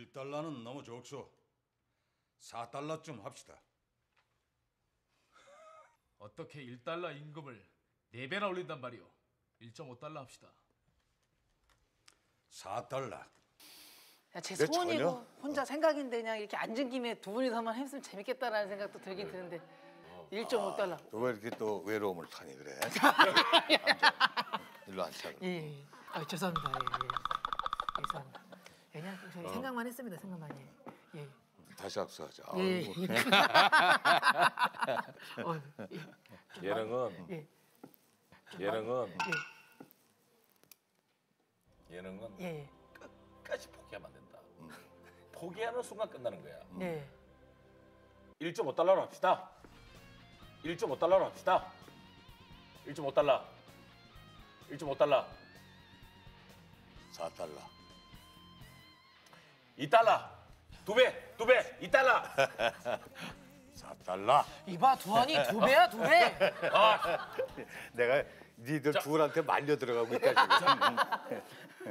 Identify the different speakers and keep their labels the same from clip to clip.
Speaker 1: 1달러는 너무 적소. 4달러쯤 합시다.
Speaker 2: 어떻게 1달러 임금을 4배나 올린단 말이오. 1.5달러 합시다.
Speaker 1: 4달러.
Speaker 3: 야, 제
Speaker 4: 내
Speaker 3: 소원이고
Speaker 4: 전혀?
Speaker 3: 혼자 생각인데 그냥 이렇게 앉은 김에 두 분이서만 했으면 재밌겠다라는 생각도 들긴 드는데 1.5달러.
Speaker 4: 왜 이렇게 또 외로움을 타니 그래? 일로 앉자.
Speaker 3: 예, 예. 아, 죄송합니다. 예, 예. 죄송합니다. 그냥 저희 생각만 했습니다. 생각만 예. 예.
Speaker 4: 다시 악수하자.
Speaker 3: 예.
Speaker 4: 아이고.
Speaker 3: 예.
Speaker 5: 예능은
Speaker 3: 예.
Speaker 5: 예능은
Speaker 3: 예.
Speaker 5: 예능은
Speaker 3: 예.
Speaker 5: 끝까지 포기하면 안 된다. 포기하는 순간 끝나는 거야.
Speaker 3: 예.
Speaker 5: 1.5달러로 합시다. 1.5달러로 합시다. 1.5달러. 1.5달러.
Speaker 4: 4달러.
Speaker 5: 2달러. 2배. 2배. 2달러.
Speaker 4: 4달러.
Speaker 3: 이봐 두한이 2배야 2배.
Speaker 4: 내가 니들 둘한테 말려 들어가고 있다 지금.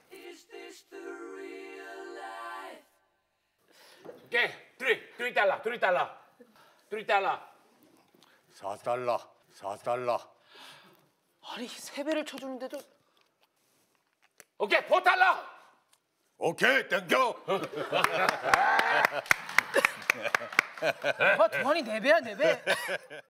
Speaker 5: 오케이. 3달러. 3달러. 3달러.
Speaker 4: 4달러. 4달러.
Speaker 3: 아니 3배를 쳐주는데도
Speaker 5: 오케이. 4달러.
Speaker 4: 오케이 땡겨.
Speaker 3: 이봐 두한이 4배야 4배.